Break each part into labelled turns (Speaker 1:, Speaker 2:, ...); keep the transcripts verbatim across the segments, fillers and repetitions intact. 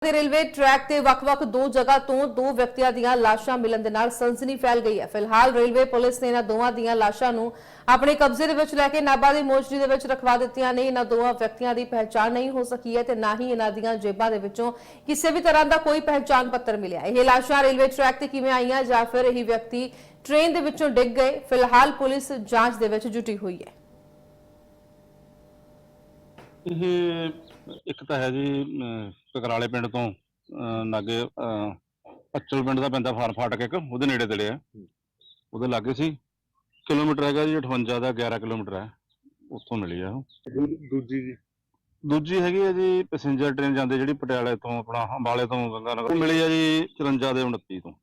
Speaker 1: Railway track ते वक-वक दो जगह तो दो व्यक्तियों दीयां लाशां मिलन दे नाल सनसनी फैल गई है। फिलहाल रेलवे पुलिस ने इन्हां दोवां दीयां लाशां नूं अपने कब्जे दे विच लैके नाभा दी मोर्चरी दे विच रखवा दित्तियां ने। इन्हां दोवां व्यक्तियों की पहचान नहीं हो सकी है ते ना ही इन्हां दीयां जेबां दे विचों किसी भी तरह का कोई पहचान पत्र मिलिया। यह लाशां रेलवे ट्रैक ते किवें आईयां जां फिर यह व्यक्ति ट्रेन दे विचों डिग गए, फिलहाल पुलिस जांच दे विच जुटी हुई है।
Speaker 2: ਇਹ ਇੱਕ ਤਾਂ ਹੈ ਜੀ ਅਹ ਕਕਰਾਲੇ ਪਿੰਡ ਤੋਂ ਅਹ ਲਾਗੇ ਅਹ ਪੱਚਲ ਪਿੰਡ ਦਾ ਪੈਂਦਾ ਫਾਰ ਫਾਟਕ ਇੱਕ ਉਹਦੇ ਨੇੜੇ ਤੇੜੇ ਆ। ਉਹਦੇ ਲਾਗੇ ਸੀ, ਕਿਲੋਮੀਟਰ ਹੈਗਾ ਜੀ ਅਠਵੰਜਾ ਦਾ, ਗਿਆਰਾਂ ਕਿਲੋਮੀਟਰ ਹੈ, ਉੱਥੋਂ ਮਿਲੀ ਆ ਉਹ।
Speaker 3: ਦੂ- ਦੂਜੀ ਜੀ
Speaker 2: ਦੂਜੀ ਹੈਗੀ ਹੈ ਜੀ ਪੈਸੇਂਜਰ ਟ੍ਰੇਨ ਜਾਂਦੇ ਜਿਹੜੀ ਪਟਿਆਲੇ ਤੋਂ ਆਪਣਾ ਅੰਬਾਲੇ ਤੋਂ ਗੰਗਾ ਨਗਰ, ਉਹ ਮਿਲੀ ਆ ਜੀ ਚੁਰੰਜਾ ਦੇ ਉਨੱਤੀ ਤੋਂ।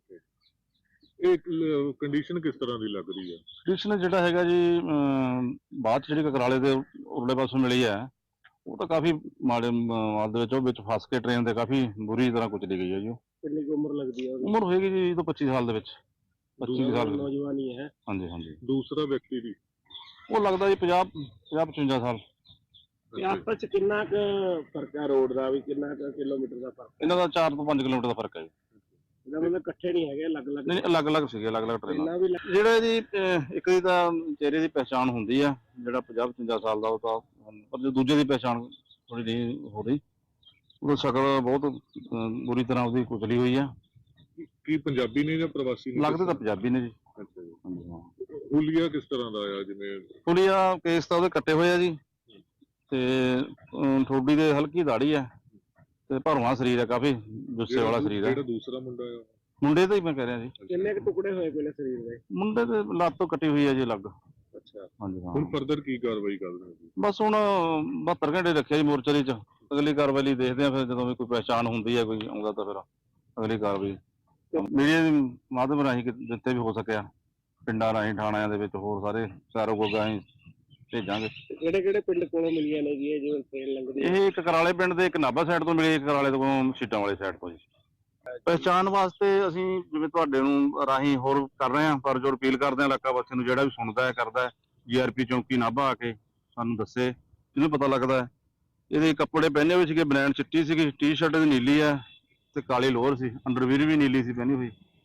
Speaker 3: ਇਹ ਕੰਡੀਸ਼ਨ ਕਿਸ ਤਰ੍ਹਾਂ ਦੀ ਲੱਗ ਰਹੀ ਹੈ?
Speaker 2: ਕੰਡੀਸ਼ਨ ਜਿਹੜਾ ਹੈਗਾ ਜੀ ਅਹ ਬਾਅਦ 'ਚ ਜਿਹੜੀ ਕਕਰਾਲੇ ਦੇ ਉਰਲੇ ਪਾਸੋਂ ਮਿਲੀ ਹੈ ਉਹ ਤਾਂ ਕਾਫੀ ਮਾੜੇ ਮਾਲ ਦੇ ਵਿੱਚ, ਉਹ ਵਿੱਚ ਫਸ ਕੇ ਟ੍ਰੇਨ ਦੇ ਕਾਫੀ ਬੁਰੀ ਤਰ੍ਹਾਂ ਕੁਚਲੀ ਗਈ ਹੈ ਜੀ। ਉਹ
Speaker 3: ਕਿੰਨੀ ਕੁ ਉਮਰ ਲੱਗਦੀ ਹੈ?
Speaker 2: ਉਮਰ ਹੋਏਗੀ ਜੀ ਵੀਹ ਤੋਂ ਪੱਚੀ ਸਾਲ ਦੇ ਵਿੱਚ, ਪੱਚੀ ਕੁ ਸਾਲ।
Speaker 3: ਨੌਜਵਾਨੀ ਹੈ।
Speaker 2: ਹਾਂਜੀ ਹਾਂਜੀ।
Speaker 3: ਦੂਸਰਾ ਵਿਅਕਤੀ ਦੀ
Speaker 2: ਉਹ ਲੱਗਦਾ ਜੀ ਪੰਜਾਹ ਪੰਜਾਹ ਪਚਵੰਜਾ ਸਾਲ।
Speaker 4: ਤੇ ਆਪਸ ਚ ਕਿੰਨਾ ਕੁ ਫਰਕ ਹੈ ਰੋਡ ਦਾ, ਵੀ ਕਿੰਨਾ ਕੁ ਕਿਲੋਮੀਟਰ ਦਾ ਫਰਕ?
Speaker 2: ਇਹਨਾਂ ਦਾ ਚਾਰ ਤੋਂ ਪੰਜ ਕਿਲੋਮੀਟਰ ਦਾ ਫਰਕ ਹੈ ਜੀ।
Speaker 4: ਇਹਦਾ ਮਤਲਬ ਇਕੱਠੇ ਨਹੀਂ ਹੈਗੇ, ਅਲੱਗ-ਅਲੱਗ?
Speaker 2: ਨਹੀਂ, ਅਲੱਗ ਅਲੱਗ ਸੀਗੇ, ਅਲੱਗ ਅਲੱਗ ਟ੍ਰੇਨਾਂ।
Speaker 4: ਇੰਨਾ ਵੀ ਲੱਗ-
Speaker 2: ਜਿਹੜਾ ਜੀ ਅਹ ਇੱਕ ਦੀ ਤਾਂ ਚਿਹਰੇ ਦੀ ਪਹਿਚਾਣ ਹੁੰਦੀ ਆ, ਜਿਹੜਾ ਪੰਜਾਹ ਪਚਵੰਜਾ ਸਾਲ ਦਾ, ਉਹ ਤਾਂ, ਪਰ ਜੋ ਦੂਜੇ ਦੀ ਪਹਿਚਾਣ ਥੋੜੀ ਨਹੀਂ ਹੋ ਰਹੀ। ਉਹਦਾ ਸ਼ਕਲ ਬਹੁਤ ਅਹ ਬੁਰੀ ਤਰ੍ਹਾਂ ਉਹਦੀ ਕੁਚਲੀ ਹੋਈ ਆ।
Speaker 3: ਕੀ ਪੰਜਾਬੀ ਨੇ ਜਾਂ ਪ੍ਰਵਾਸੀ ਨੇ?
Speaker 2: ਲੱਗਦੇ ਤਾਂ ਪੰਜਾਬੀ ਨੇ ਜੀ।
Speaker 3: ਅੱਛਾ ਜੀ।
Speaker 2: ਹਾਂਜੀ ਹਾਂ।
Speaker 3: ਹੁਲੀਆ ਕਿਸ ਤਰ੍ਹਾਂ ਦਾ ਆਇਆ? ਜਿਵੇਂ
Speaker 2: ਪੁਲੀਆ ਕੇਸ ਤਾਂ ਉਹਦੇ ਕੱਟੇ ਹੋਏ ਆ ਜੀ, ਤੇ ਅਹ ਠੋਡੀ ਦੇ ਹਲਕੀ ਦਾੜੀ ਆ, ਤੇ ਭਰਵਾਂ ਸਰੀਰ ਆ, ਕਾਫੀ ਜੁੱਸੇ ਵਾਲਾ ਸਰੀਰ ਆ।
Speaker 3: ਜਿਹੜਾ ਦੂਸਰਾ ਮੁੰਡਾ ਆ
Speaker 2: ਮੁੰਡੇ ਦਾ ਹੀ ਮੈਂ ਕਹਿ ਰਿਹਾ ਜੀ।
Speaker 4: ਕਿੰਨੇ ਕੁ ਟੁਕੜੇ ਹੋਏ ਪਹਿਲੇ ਸਰੀਰ ਦੇ?
Speaker 2: ਮੁੰਡੇ ਦੇ ਲੱਤ ਤੋਂ ਕੱਟੀ ਹੋਈ ਆ ਜੀ ਅਲੱਗ।
Speaker 3: ਅੱਛਾ,
Speaker 2: ਹਾਂਜੀ ਹਾਂ।
Speaker 3: ਹੁਣ ਫਰਦਰ ਕੀ ਕਾਰਵਾਈ ਕਰ ਰਹੇ ਹੋ ਜੀ?
Speaker 2: ਬਸ ਹੁਣ ਬਹੱਤਰ ਘੰਟੇ ਰੱਖਿਆ ਜੀ ਮੋਰਚਰੀ 'ਚ, ਅਗਲੀ ਕਾਰਵਾਈ ਲਈ ਦੇਖਦੇ ਆ। ਫਿਰ ਜਦੋਂ ਵੀ ਕੋਈ ਪਹਿਚਾਣ ਹੁੰਦੀ ਹੈ, ਕੋਈ ਆਉਂਦਾ, ਤਾਂ ਫਿਰ ਅਗਲੀ ਕਾਰਵਾਈ ਮੀਡੀਆ ਦੇ ਮਾਧਿਅਮ ਰਾਹੀਂ ਕਿ- ਜਿੱਥੇ ਵੀ ਹੋ ਸਕਿਆ, ਪਿੰਡਾਂ ਰਾਹੀਂ, ਥਾਣਿਆਂ ਦੇ ਵਿੱਚ, ਹੋਰ ਸਾਰੇ ਚਾਰੋ ਗੋਗਾ ਅਸੀਂ ਭੇਜਾਂਗੇ।
Speaker 4: ਕਿਹੜੇ ਕਿਹੜੇ ਪਿੰਡ ਕੋਲੋਂ ਮਿਲੀਆਂ ਨੇ ਜੀ ਇਹ ਜਿਵੇਂ ਟ੍ਰੇਨ ਲੰਘਦੀ ਹੈ?
Speaker 2: ਇਹ ਇੱਕ ਕਰਾਲੇ ਪਿੰਡ ਦੇ, ਇੱਕ ਨਾਭਾ ਸਾਈਡ ਤੋਂ ਮਿਲੀ, ਇੱਕ ਕਰਾਲੇ ਤੋਂ ਸੀਟਾਂ ਵਾਲੀ ਸਾਈਡ ਤੋਂ ਜੀ। ਪਹਿਚਾਣ ਵਾਸਤੇ ਅਸੀਂ ਜਿਵੇਂ ਤੁਹਾਡੇ ਨੂੰ ਰਾਹੀਂ ਹੋਰ ਕਰ ਰਹੇ ਹਾਂ, ਪਰ ਜੋ ਅਪੀਲ ਕਰਦੇ ਹਾਂ ਇਲਾਕਾ ਵਾਸੀਆਂ ਨੂੰ, ਜਿਹੜਾ ਵੀ ਸੁਣਦਾ ਹੈ, ਕਰਦਾ ਹੈ, ਜੀਆਰਪੀ ਚੌਂਕੀ ਨਾਭਾ ਆ ਕੇ ਸਾਨੂੰ ਦੱਸੇ, ਜਿਹਨੂੰ ਪਤਾ ਲੱਗਦਾ ਹੈ। ਇਹਦੇ ਕੱਪੜੇ ਪਹਿਨੇ ਹੋਏ ਸੀਗੇ, ਬਨੈਣ ਚਿੱਟੀ ਸੀਗੀ, ਟੀ ਸ਼ਰਟ ਦੀ ਨੀਲੀ ਆ, ਤੇ ਕਾਲੀ ਲੋਅਰ ਸੀ, ਅੰਡਰਵੀਰ ਵੀ ਨੀਲੀ ਸੀ ਪਹਿਨੀ ਹੋਈ,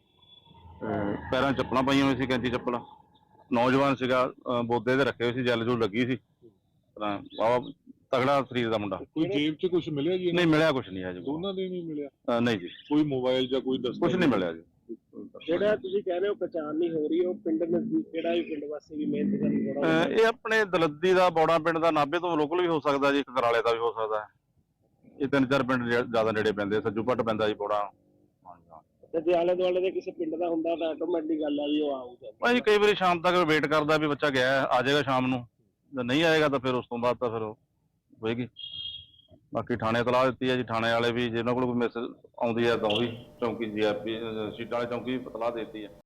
Speaker 2: ਪੈਰਾਂ 'ਚ ਚੱਪਲਾਂ ਪਾਈਆਂ ਹੋਈਆਂ ਸੀ, ਕੈਂਚੀ ਚੱਪਲਾਂ। ਨੌਜਵਾਨ ਸੀਗਾ, ਅਹ ਬੋਦੇ ਦੇ ਰੱਖੇ ਹੋਏ ਸੀ, ਜੈਲ ਜੂਲ ਲੱਗੀ ਸੀ, ਵਾਵਾ ਤਗੜਾ ਸਰੀਰ ਦਾ ਮੁੰਡਾ।
Speaker 3: ਕੋਈ ਜੇਬ 'ਚ ਕੁਝ ਮਿਲਿਆ ਜੀ?
Speaker 2: ਨਹੀਂ ਮਿਲਿਆ, ਕੁਛ ਨਹੀਂ ਹੈ ਜੀ।
Speaker 3: ਦੋਨਾਂ ਦੇ ਨਹੀਂ ਮਿਲਿਆ?
Speaker 2: ਅਹ ਨਹੀਂ ਜੀ,
Speaker 3: ਕੋਈ ਮੋਬਾਈਲ ਜਾਂ ਕੋਈ ਦਸਤਾਵੇਜ਼?
Speaker 2: ਕੁਛ ਨਹੀਂ ਮਿਲਿਆ ਜੀ।
Speaker 4: ਜਿਹੜਾ ਤੁਸੀਂ ਕਹਿ ਰਹੇ ਹੋ ਪਛਾਣ ਨਹੀਂ ਹੋ ਰਹੀ, ਉਹ ਪਿੰਡ ਨਜ਼ਦੀਕ ਕਿਹੜਾ ਵੀ ਪਿੰਡ ਵਾਸੀ ਵੀ ਮਿਹਨਤ ਕਰਨ ਥੋੜਾ?
Speaker 2: ਅਹ ਇਹ ਆਪਣੇ ਦਲੱਦੀ ਦਾ, ਬੌੜਾ ਪਿੰਡ ਦਾ, ਨਾਭੇ ਤੋਂ ਲੋਕਲ ਵੀ ਹੋ ਸਕਦਾ ਜੀ, ਕਕਰਾਲੇ ਦਾ ਵੀ ਹੋ ਸਕਦਾ ਹੈ। ਇਹ ਤਿੰਨ ਚਾਰ ਪਿੰਡ ਜ਼ਿਆਦਾ ਨੇੜੇ ਪੈਂਦੇ, ਸੱਜੂ ਭੱਟ ਪੈਂਦਾ ਜੀ, ਬੌੜਾ।
Speaker 4: ਤੇ ਜੇ ਆਲੇ ਦੁਆਲੇ ਦੇ ਕਿਸੇ ਪਿੰਡ ਦਾ ਹੁੰਦਾ ਤਾਂ ਆਟੋਮੈਟਿਕ ਗੱਲ ਆ ਵੀ ਉਹ ਆਊਗਾ।
Speaker 2: ਭਾਈ ਕਈ ਵਾਰੀ ਸ਼ਾਮ ਤੱਕ ਵੇਟ ਕਰਦਾ ਵੀ ਬੱਚਾ ਗਿਆ, ਆ ਜਾਏਗਾ ਸ਼ਾਮ ਨੂੰ, ਜੇ ਨਹੀਂ ਆਏਗਾ ਤਾਂ ਫਿਰ ਉਸ ਤੋਂ ਬਾਅਦ ਤਾਂ ਫਿਰ ਹੋਏਗੀ। ਬਾਕੀ ਥਾਣੇ ਤਲਾਹ ਦਿੱਤੀ ਹੈ ਜੀ, ਥਾਣੇ ਵਾਲੇ ਵੀ, ਜੇ ਉਹਨਾਂ ਕੋਲ ਕੋਈ ਮੈਸੇਜ ਆਉਂਦੀ ਹੈ ਤਾਂ ਉਹ ਵੀ ਚੌਂਕੀ ਜੀਆਰਪੀ ਸੀਟਾਂ ਵਾਲੇ ਚੌਂਕੀ ਵੀ ਤਲਾਹ ਦੇ ਦਿੱਤੀ ਹੈ।